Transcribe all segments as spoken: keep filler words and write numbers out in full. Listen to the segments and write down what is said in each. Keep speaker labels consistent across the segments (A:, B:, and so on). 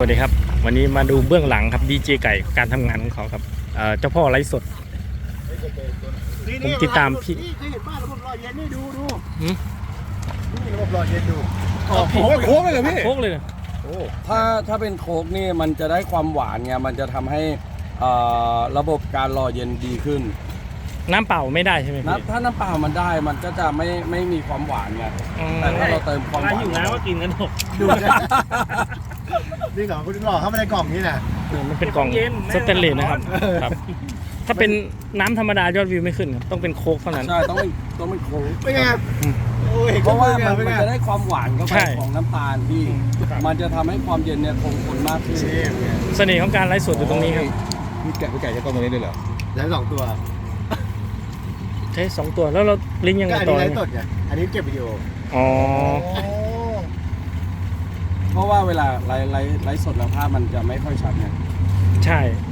A: วัสดีครับวันนี้มาดูเบื้องหลังครับดีเจไก่การทำงานของเขาครับเจ้าพ่อไลฟ์สดผมติดตามพี่
B: เคยเห็นบ้านระบบหล่อเย็นนี่ดูดู
A: หืม
B: นี่ระบบหล่อเย็นดู
C: โค้กโค้กเลยเหรอพี่
A: โค้กเลยนะ
C: ถ้าถ้าเป็นโค้กนี่มันจะได้ความหวานไงมันจะทำให้ระบบการรอเย็นดีขึ้น
A: น้ำเปล่าไม่ได้ใช่ไหม
C: นะ
A: พี่
C: ถ้าน้ำเปล่ามันได้มันก็จะไม่ไม่มีความหวานไงแต่ถ้าเราเติมความหวาน
A: อยู่น้ำก็กินกันหมด
B: ดูนะนี่เหรอคุณหล่อเข้ามาในกล่องนี่นะ
A: มันเป็นกล่องสเตนเลสนะครับครับ ถ้าเป็นน้ำธรรมดายอดวิวไม่ขึ้นครับต้องเป็นโค้กเท่านั้น
C: ใช่ต้องเป็นต้องเป็นโค้ก
B: เป็นไงโอ้ย
C: เพราะว่ามัน
B: เป็น
C: มัน
B: ไง
C: จะได้ความหวานเข้า
A: ใช่
C: ไปของน้ำตาลที่มันจะทำให้ความเย็นเนี่ยคงทนมากขึ้น
A: เสน่ห์ของการไลฟ์สดอยู่ตรงนี้ครับ
D: พี่แกะพี่แกะจะต้องตรงนี้ด้วยเหรอ
B: แล้วสองตัว
A: ใช้สองตัวแล้วเราลิงก์ยัง
B: ก็
A: ไง
B: อัน
A: ต่อ
B: นี้ไล
A: เนี่ย
B: ฟ์สดไงอันนี้เก็บวิดีโอ
A: อ๋อ
C: เพราะว่าเวลาไลฟ์ไลฟ์ไลฟ์สดแล้วภาพมันจะไม่ค่อยชัดไง
A: ใช่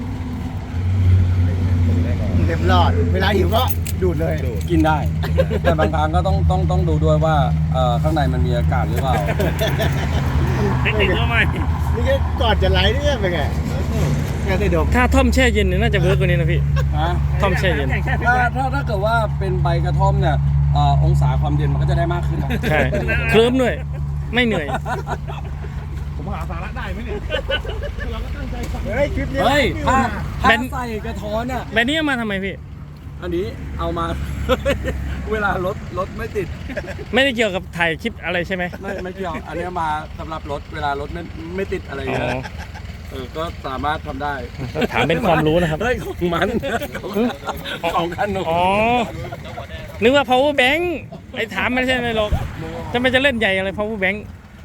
B: เต็มหลอดเวลาหิวก็ดูดเลย
C: กินได้ แต่บางครั้งก็ต้องต้องต้องดูด้วยว่าเอ่อข้างในมันมีอากาศหรือเปล่า
A: เทคนิคก็ไม่
B: นี่ก็ก่อนจะไลฟ์เนี่ยเป็นไงแกได้ดม
A: ถ้าท่อมแช่เย็นเนี่ยน่าจะเวิร์กกว่านี้นะพี่
C: ฮะ
A: ท่อมแช่เย็น
C: ถ้าถ้าถ้าเกิดว่าเป็นใบกระท่อมเนี่ยเอ่อองศาความเย็นมันก็จะได้มากขึ้นนะ
A: ใช่เคลิ้มด้วยไม่เหนื่อย
D: ผมหาสาระได้ไหมเนี่ย
B: เฮ้ยคลิปนี้
C: เฮ้ยถ้าถ้า
A: เป็น
C: ใส่กระท้อนเนี่ย
A: แบบนี้เอามาทำไมพี่
C: อันนี้เอามา เวลารถรถไม่ติด
A: ไม่ได้เกี่ยวกับถ่ายคลิปอะไรใช่ไหม
C: ไม่ไม่เกี่ยวอันนี้มาสำหรับรถเวลารถไม่ไม่ติดอะไร
A: อ๋
C: เงี้ย
A: อ
C: เออก็สามารถทำได้
A: ถามเป็นความรู้นะครับ
C: เฮ้ยของมันของกันหนู
A: อ๋อ นึกว่า power bank ไอ้ถามไม่ใช่อะไรหรอกจะไม่จะเล่นใหญ่อะไร power bank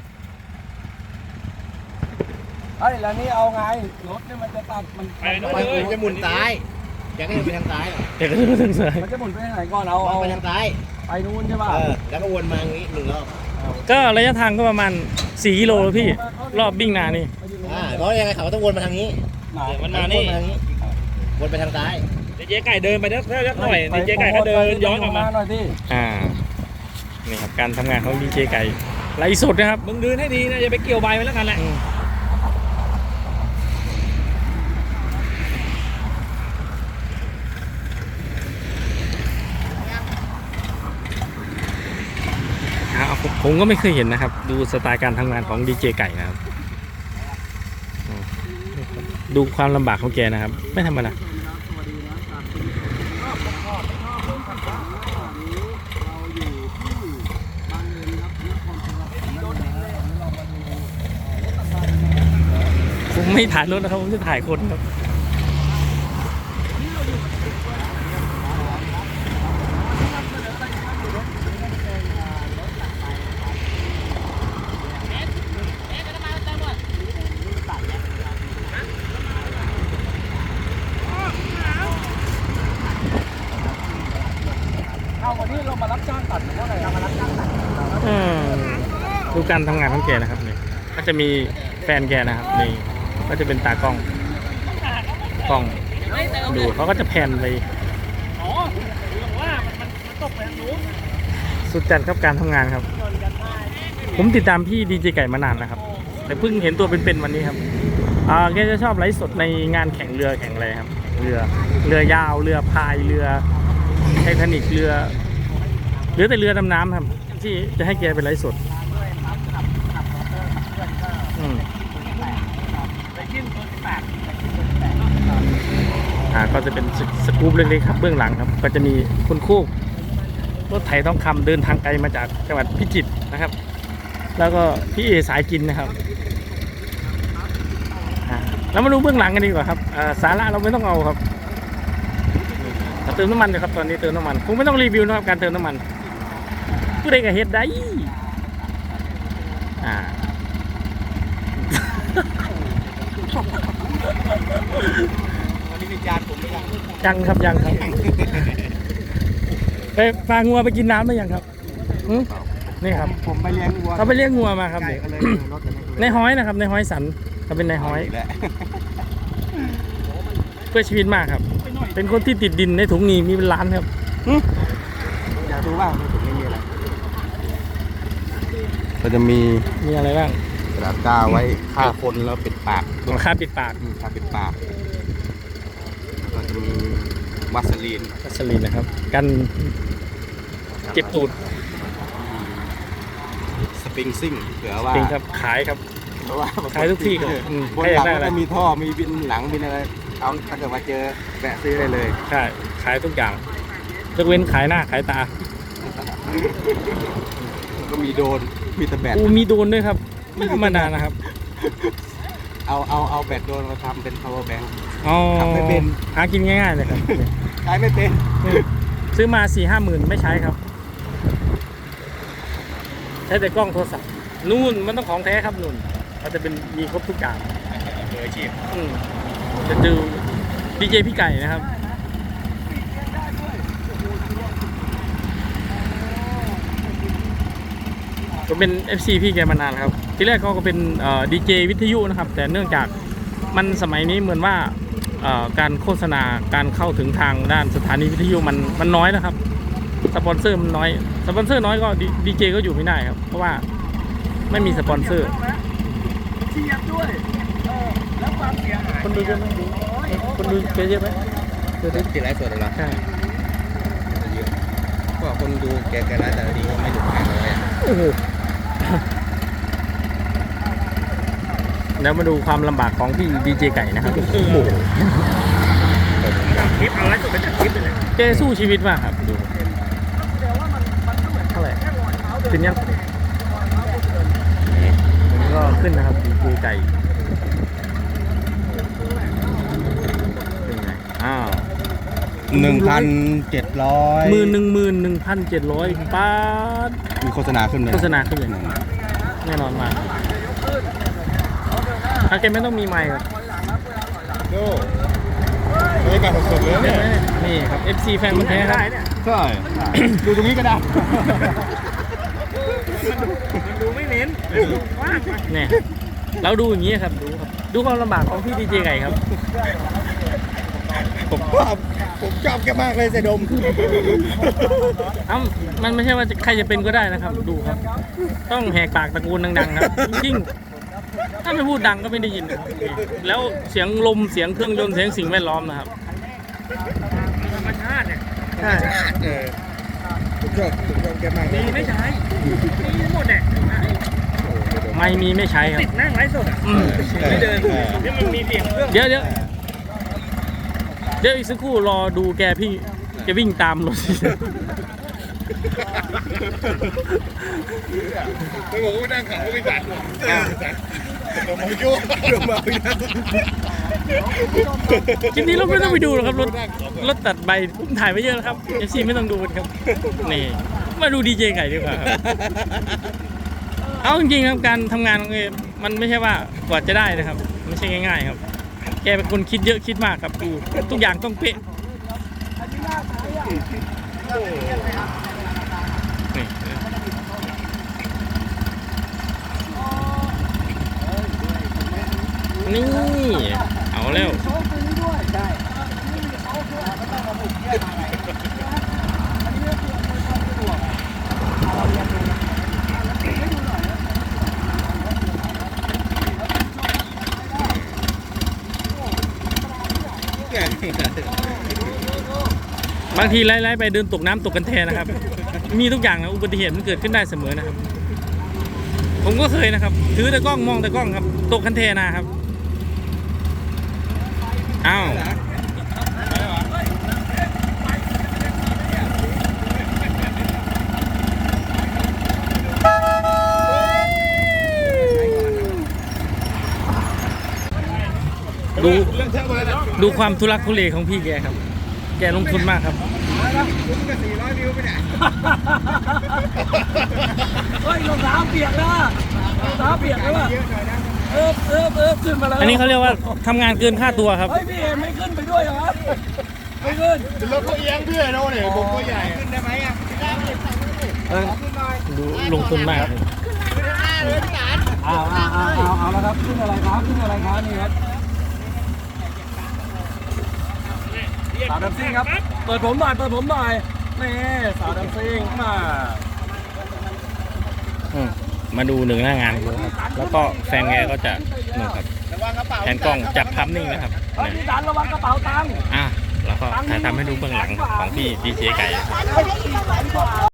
C: เฮ้ยแล้วนี่เอาไงรถเนี่ยมันจะตัดมัน
B: มันจะหมุนซ้ายแกก็จะไปทางซ้ายเหรอ
A: เดี๋ยวก็จะมาถึงสาย
C: มันจะหมุนไปทางไหนก่อนเอาเอา
B: ไปทางซ้าย
C: ไปนู้นใช่ป่ะ
B: เออแล้วก็วนมาอย่างนี้หนึ่งรอบ
A: ก็ระยะทางก็ประมาณสี่กิโลแล้วพี่ รอบบิ่งนานี่
B: อ่าเพราะยังไงเขาต้องวนมาทางนี้
A: มันมานี่
B: วนไปทางนี้วนไปทางซ้าย
A: เจ๊ไก่เดินไปเล็กหน่อยเจ๊ไก่ก็เดินย้อนกลับมา
C: หน่อยดิ
A: อ่า นี่ครับการทำงานของดีเจไก่ไลฟ์สดนะครับ
D: มึงดืนให้ดีนะอย่าไปเกี่ยวใบไว้แล้วกันแหละ
A: อืมอ่าผมผมก็ไม่เคยเห็นนะครับ ดูสไตล์การทำงานของดีเจไก่นะครับอืมดูความลำบากของแกนะครับ ไม่ธรรมดาผมไม่ถ่ายรถนะครับ ผมจะถ่ายคนครับ
C: เอาวันนี้เรามารับจ้างตัดหรือว่าอะไรเรามารับจ้างตัด
A: อืมดูการทำงานของแกนะครับนี่ก็จะมีแฟนแกนะครับนี่ก็จะเป็นตากล้องกล้องดูเขาก็จะแพนไปสุดจัดครับการทำงานครับ ผมติดตามพี่ดีเจไก่มานานนะครับ แต่เพิ่งเห็นตัวเป็นๆวันนี้ครับอ่าแกจะชอบไลฟ์สดในงานแข่งเรือแข่งอะไรครับเรือเรือยาวเรือพายเรือไททานิคเรือหรือแต่เรือดำน้ำครับที่จะให้แกเป็นไลฟ์สดอืมอ่าก็จะเป็นสสกู๊ปเล็กๆครับเบื้องหลังครับก็จะมีคุณคู่รถไถทองคำเดินทางไกลมาจากจังหวัดพิจิตรนะครับ แล้วก็พี่เอสายกินนะครับอ่าแล้วมาดูเบื้องหลังกันดีกว่าครับอ่าสาระเราไม่ต้องเอาครับเราเติมน้ำมันเลยครับตอนนี้เติมน้ำมันคงไม่ต้องรีวิวนะครับการเติมน้ำมันผู้ใดก็เฮ็ดได้อ่า
B: วันนี้มีจานผมไม่ยัง
A: ยังครับยังครับไปพางัวไปกินน้ำหรือยังครับหืมนี่ครับ
B: ผมไปเลี้ยงวัว
A: เขาไปเลี้ยงงัวมาครับ
B: ไก่
A: นี่
B: ก็เลยรถกัน
A: ในห้อยนะครับในห้อยสันเขาเป็นในห้อย เพื่อชีวิตมากครับ เป็นคนที่ติดดินในถุงนี้มีเป็นล้านครับหืม
B: อยากรู้ว่าในถุงนี้มีอะไร
D: ก็จะมี
A: มีอะไรบ้าง
D: ส
E: ระดาษกาวไว้ฆ่าคนแล้วปิดปาก
A: ค่าปิดปาก
E: อืมฆ่าปิดปากแล้วก็จะมีวัสลีน
A: วัสลีนนะครับ กันเจ็บตูด
E: สปริงซิ่งเผื่อว่า
A: จริงครับขายครับ
E: เพราะว่า
A: ขายทุกที่ครับอืม
E: บนหลัง
A: ใครอยากได้อะไร
E: ก็มีท่อมีบินหลังบินอะไรเอาถ้าเกิดมาเจอแวะซื้อได้เลย
A: ใช่ขายทุกอย่างยกเว้นขายหน้าขายตา
E: ก็มีโดรนมีแต่แบต
A: อูมีโดรนด้วยครับไม่ธรรมดานะครับ
E: เอาเอาเอาแบตโดรนมาทำเป็น power bank
A: อ๋อ
E: ทำไม่เป็น
A: หากินง่ายๆเลยครับ
E: ใช้ไม่เป็น
A: ซื้อมาสี่ห้าหมื่นไม่ใช้ครับ ใช้แต่กล้องโทรศัพท์นู่นมันต้องของแท้ครับนู่นเขาจะเป็นมีครบทุกอย่าง
E: มืออาชีพ
A: อืมจะดูดีเจพี่ไก่นะครับก็เป็น เอฟ ซี พี่แกมานานแล้วครับ ที่แรกเขาก็เป็นดีเจวิทยุนะครับ แต่เนื่องจากมันสมัยนี้เหมือนว่าเอ่อการโฆษณาการเข้าถึงทางด้านสถานีวิทยุมันมันน้อยนะครับ สปอนเซอร์มันน้อย สปอนเซอร์น้อยก็ดีเจก็อยู่ไม่ได้ครับ เพราะว่าไม่มีสปอนเซอร์
C: เทียบด้วยเออแล้วความเสียหาย
A: คนดูเยอะไหมคนดูเยอะไหม
E: คือที่ติดไลฟ์สดเหรอ
A: ใช่
E: เยอะก็คนดูแกแกไลฟ์แต่ละทีก็ไม่ถึงพันเลย
A: โอ้โหแล้วมาดูความลำบากของพี่ดีเจไก่นะครับ โอ้โหคลิปเอาไว้สุดเป็นคลิปเลยแกสู้ชีวิตมากครับดูเท่าไหร่ขึ้นยังก็ขึ้นนะครับดีเจไก่เป็นไงอ้าว
E: หนึ่งพันเจ็ดร้อย
A: หมื่นหนึ่งหมื่นหนึ่งพันเจ็ดร้อยบาท
E: มีโฆษณาขึ้นเลย
A: โฆษณาขึ้นเลยแน่นอนมากอาเกมไม่ต้องมีไมค์ครับ
E: โอ้บรรยากาศสดๆเลยเนี่ย
A: นี่ครับ เอฟ ซี แฟนมันธุ์แท้ครับ
E: ใช่ดูตรงนี้ก็ได้
A: ดูไม่เน้นเนี่ยเราดูอย่างนี้ครับดูครับดูความลำบากของพี่ดีเจไก่ครับ
E: ผมชอบผมชอบแกมากเลยเสดม
A: เอ้ามันไม่ใช่ว่าใครจะเป็นก็ได้นะครับ ดูครับ ต้องแหกปากตะโกนดังๆครับจริงๆถ้าไม่พูดดังก็ไม่ได้ยินนะครับนี่แล้วเสียงลมเสียงเครื่องยนต์เสียงสิ่งแวดล้อมนะครับธรรมชาติเนี่ยใช่
E: เออผมชอบผมชอบแกมากเลย
A: มีไม่ใช้มีหมดเนี่ยไม่มีไม่ใช้ครับติดนั่งไร้สดอ่ะไม่เดินนี่มันมีเสียงเครื่องเดี๋ยวเดี๋ยวเดี๋ยวอีกสักครู่รอดูแกพี่แกวิ่งตามรถ
E: ไม่บอกว่านั่งขับก็ไม่สั่นผมมายุ่งมา
A: คลิปนี้เราไม่ต้องไปดูหรอกครับรถรถตัดใบผมถ่ายไว้เยอะแล้วครับเอฟซีไม่ต้องดูกันครับนี่มาดูดีเจไก่ดีกว่าครับเอาจริงๆครับการทำงานของเอมันไม่ใช่ว่ากว่าจะได้นะครับไม่ใช่ง่ายๆครับแกเป็นคนคิดเยอะคิดมากครับดูทุกอย่างต้องเป๊ะนี่นี่เอาแล้วบางทีไล่ๆไปเดินตกน้ำตกกันแทนนะครับ มีทุกอย่างนะอุบัติเหตุมันเกิดขึ้นได้เสมอนะครับ ผมก็เคยนะครับ ถือแต่กล้องมองแต่กล้องครับ ตกคันเทนะครับอ้าวดูดูความทุลักทุเลของพี่แกครับ แกลงทุนมากครับ
C: เฮ้ยรองเท้าเปียกแล้วอะรองเท้าเปียกแล้วอะเออเออเออขึ้นมาแล้ว
A: อันนี้เขาเรียกว่าทำงานเกินค่าตัวครับ
C: เฮ้ยพี่เอ็มไม่ขึ้นไปด้วยเหรอครับไม่ขึ้น
B: รถก็เอียงเพื่อนเราเนี่ยผมก็ใหญ่
E: ขึ้นได้ไหมอ่ะ
A: ดูลงทุนมาก
C: เอาเอาเอาเอาเอาแล้วครับขึ้นอะไรครับขึ้นอะไรครับนี่ครับสาวดัมซิ่งครับเปิดผมหน่อยเปิดผมหน่อยแม่สาวดัมซิ่งมา
A: อืมมาดูหนึ่งหน้างานดูครับแล้วก็แฟนแกก็จะนู่นครับแทนกล้องจับภาพนิ่งนะครับ
C: เฮ้ย
A: เนี่ย
C: พี่ดันระวังกระเป๋าตังค์
A: อ่ะแล้วก็ถ่ายทำให้ดูเบื้องหลังของพี่ดีเจไก่ครับ
C: ให้สี่แสนกว่า